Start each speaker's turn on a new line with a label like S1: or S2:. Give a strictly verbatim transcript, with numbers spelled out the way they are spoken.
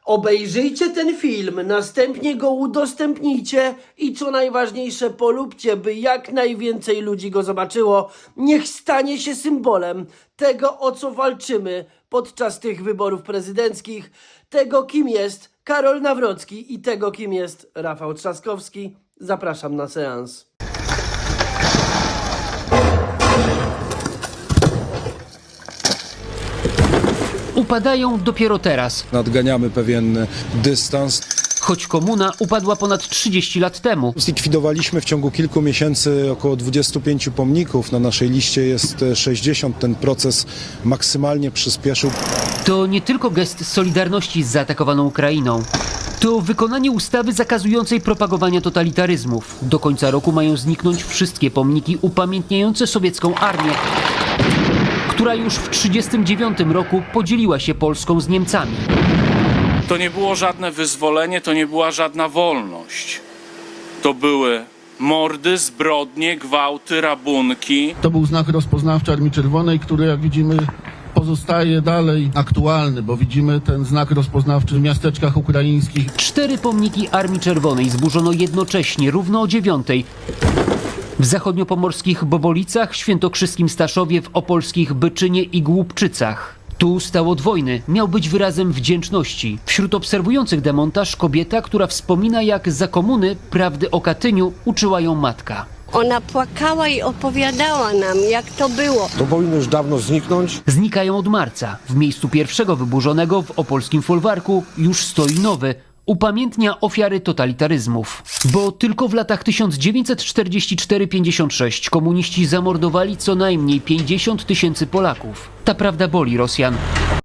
S1: Obejrzyjcie ten film, następnie go udostępnijcie i co najważniejsze polubcie, by jak najwięcej ludzi go zobaczyło. Niech stanie się symbolem tego, o co walczymy podczas tych wyborów prezydenckich, tego, kim jest Karol Nawrocki i tego, kim jest Rafał Trzaskowski. Zapraszam na seans.
S2: Upadają dopiero teraz,
S3: Nadganiamy pewien dystans.
S2: choć komuna upadła ponad trzydzieści lat temu.
S3: Zlikwidowaliśmy w ciągu kilku miesięcy około dwudziestu pięciu pomników. Na naszej liście jest sześćdziesiąt. Ten proces maksymalnie przyspieszył.
S2: To nie tylko gest solidarności z zaatakowaną Ukrainą. To wykonanie ustawy zakazującej propagowania totalitaryzmów. Do końca roku mają zniknąć wszystkie pomniki upamiętniające sowiecką armię, która już w tysiąc dziewięćset trzydziestym dziewiątym roku podzieliła się Polską z Niemcami.
S4: To nie było żadne wyzwolenie, to nie była żadna wolność. To były mordy, zbrodnie, gwałty, rabunki.
S5: To był znak rozpoznawczy Armii Czerwonej, który, jak widzimy, pozostaje dalej aktualny, bo widzimy ten znak rozpoznawczy w miasteczkach ukraińskich.
S2: Cztery pomniki Armii Czerwonej zburzono jednocześnie, równo o dziewiątej. W zachodniopomorskich Bobolicach, świętokrzyskim Staszowie, w opolskich Byczynie i Głubczycach. Tu stał od wojny, miał być wyrazem wdzięczności. Wśród obserwujących demontaż kobieta, która wspomina, jak za komuny prawdy o Katyniu uczyła ją matka.
S6: Ona płakała i opowiadała nam, jak to było.
S7: To powinno już dawno zniknąć.
S2: Znikają od marca. W miejscu pierwszego wyburzonego w opolskim folwarku już stoi nowy. Upamiętnia ofiary totalitaryzmów. Bo tylko w latach tysiąc dziewięćset czterdziesty czwarty do pięćdziesiątego szóstego komuniści zamordowali co najmniej pięćdziesiąt tysięcy Polaków. Ta prawda boli Rosjan.